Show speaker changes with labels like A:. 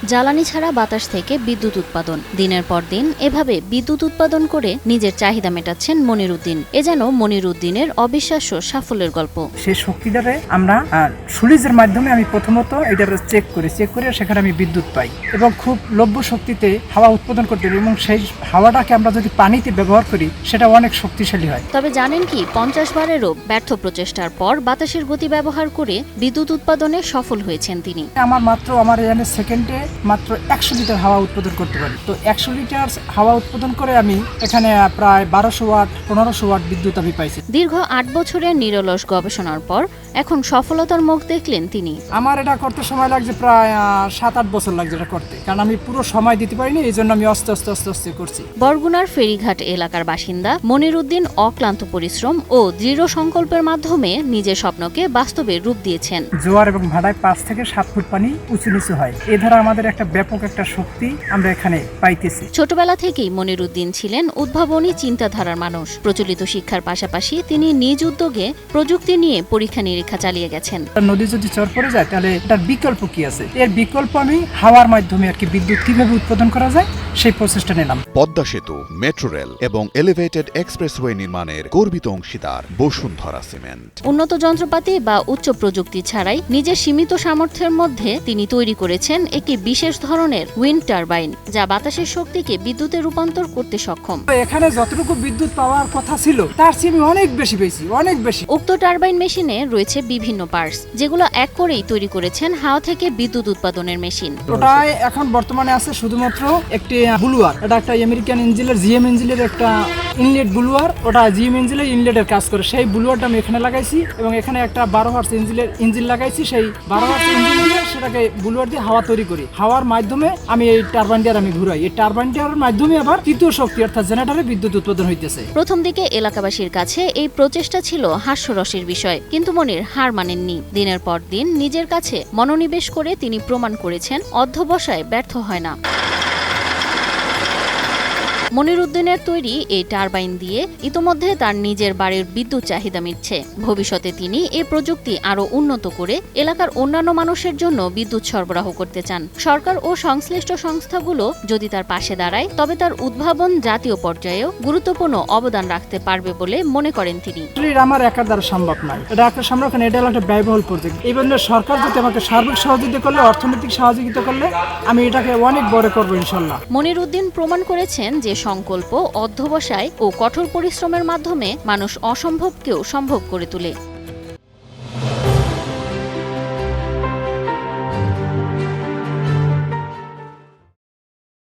A: জ্বালানি ছাড়া বাতাস থেকে বিদ্যুৎ উৎপাদন। দিনের পর দিন এভাবে বিদ্যুৎ উৎপাদন করে নিজের চাহিদা মেটাচ্ছেন মনিরুদ্দিন। এ যেন মনিরুদ্দিনের অবিশ্বাস্য সাফল্যের গল্প।
B: সেই শক্তিটারে আমরা সুইচের মাধ্যমে আমি প্রথমত এটা চেক করে সেখানে আমি বিদ্যুৎ পাই এবং খুব লভ্য শক্তিতে হাওয়া উৎপাদন করতে পারি এবং সেই হাওয়াটাকে আমরা যদি পানিতে ব্যবহার করি সেটা অনেক শক্তিশালী হয়।
A: তবে জানেন কি 50 বারেরও ব্যর্থ প্রচেষ্টার পর বাতাসের গতি ব্যবহার করে বিদ্যুৎ উৎপাদনে সফল হয়েছেন তিনি।
B: আমার এখানে সেকেন্ডে মাত্র 100 লিটার হাওয়া উৎপাদন করতে পারি। তো 100 লিটার হাওয়া উৎপাদন করে আমি এখানে প্রায় 1200 ওয়াট 1500 ওয়াট বিদ্যুৎ আমি পাইছি।
A: দীর্ঘ 8 বছরের নিরলস গবেষণার পর এখন সফলতার মুখ দেখলেন তিনি।
B: আমার এটা করতে সময় লাগছে প্রায় 7-8 বছর লাগছে এটা করতে, কারণ আমি পুরো সময় দিতে পারিনি, এই জন্য আমি আস্তে আস্তে করছি।
A: বরগুনার ফেরিঘাট এলাকার বাসিন্দা মনিরুদ্দিন অক্লান্ত পরিশ্রম ও দৃঢ় সংকল্পের মাধ্যমে নিজের স্বপ্নকে বাস্তবে রূপ দিয়েছেন।
B: জোয়ার এবং ভাটায় 5 থেকে 7 ফুট পানি উঁচু নিচু হয়, এ ধারা আমাদের একটা ব্যাপক একটা শক্তি আমরা এখানে পাইতেছি।
A: ছোটবেলা থেকেই মনিরুদ্দিন ছিলেন উদ্ভাবনী চিন্তাধারার মানুষ। প্রচলিত শিক্ষার পাশাপাশি তিনি নিজ উদ্যোগে প্রযুক্তি নিয়ে পরীক্ষা নিরীক্ষা চালিয়ে গেছেন।
B: নদী যদি চর পড়ে যায় তাহলে এটার বিকল্প কি আছে, এর বিকল্প আমি হাওয়ার মাধ্যমে আর কি বিদ্যুৎ কিভাবে উৎপাদন করা যায় সেই প্রচেষ্টা নিলাম।
C: পদ্মা সেতু, মেট্রো রেল এবং এলিভেটেড এক্সপ্রেসওয়ে নির্মাণের গর্বিত অংশীদার বসুন্ধরা সিমেন্ট।
A: উন্নত যন্ত্রপাতি বা উচ্চ প্রযুক্তি ছাড়াই নিজের সীমিত সামর্থ্যের মধ্যে তিনি তৈরি করেছেন একটি বিশেষ ধরনের উইন্ড টারবাইন, যা বাতাসের শক্তিকে বিদ্যুতে রূপান্তর করতে সক্ষম।
B: এখানে যতটুকু বিদ্যুৎ পাওয়ার কথা ছিল তার চেয়ে আমি অনেক বেশি পেয়েছি, অনেক বেশি।
A: উক্ত টারবাইন মেশিনে রয়েছে বিভিন্ন পার্টস, যেগুলো এক করেই তৈরি করেছেন হাওয়া থেকে বিদ্যুৎ উৎপাদনের মেশিন।
B: ওটাই এখন বর্তমানে আছে শুধুমাত্র একটি ব্লুয়ার, এটা একটা আমেরিকান ইঞ্জিনের জিএম ইঞ্জিনের একটা ইনলেট ব্লুয়ার, ওটা জিএম ইঞ্জিনের ইনলেটের কাজ করে। সেই ব্লুয়ারটা আমি এখানে লাগাইছি এবং এখানে একটা 12 হার্স ইঞ্জিন লাগাইছি। সেই 12 হার্স ইঞ্জিন দিয়ে সেটাকে ব্লুয়ার দিয়ে হাওয়া তৈরি করি। হাওয়ার মাধ্যমে আমি এই টারবাইনটার আমি ঘুরাই। এই টারবাইনটার মাধ্যমে আবার তৃতীয় শক্তি অর্থাৎ জেনারেটরে বিদ্যুৎ উৎপাদন হইতেছে।
A: প্রথম দিকে এলাকাবাসীর কাছে এই প্রচেষ্টা ছিল হাস্যরসের বিষয়, কিন্তু মনির হার মানেননি। দিনের পর দিন নিজের কাছে মনোনিবেশ করে তিনি প্রমাণ করেছেন অধ্যবসায় ব্যর্থ হয় না। মনিরুদ্দিনের তৈরি এই টারবাইন দিয়ে ইতোমধ্যে তার নিজের বাড়ির বিদ্যুৎ চাহিদা মিটছে। ভবিষ্যতে তিনি এই প্রযুক্তি আরও উন্নত করে এলাকার অন্যান্য মানুষের জন্য বিদ্যুৎ সরবরাহ করতে চান। সরকার ও সংশ্লিষ্ট সংস্থাগুলো যদি তার পাশে দাঁড়ায়, তবে তার উদ্ভাবন জাতীয় পর্যায়েও গুরুত্বপূর্ণ অবদান রাখতে পারবে বলে মনে করেন তিনি।
B: আমার একার দ্বারা সম্ভব নয়, এটা একটা সংরক্ষণ, এটা একটা ব্যয়বহুল প্রজেক্ট। এই জন্য সরকার যদি আমাকে সার্বিক সহযোগিতা করলে, অর্থনৈতিক সহযোগিতা করলে আমি এটাকে অনেক বড় করবো ইনশাল্লাহ।
A: মনিরুদ্দিন প্রমাণ করেছেন যে সংকল্প, অধ্যবসায় ও কঠোর পরিশ্রমের মাধ্যমে মানুষ অসম্ভবকেও সম্ভব করে তোলে।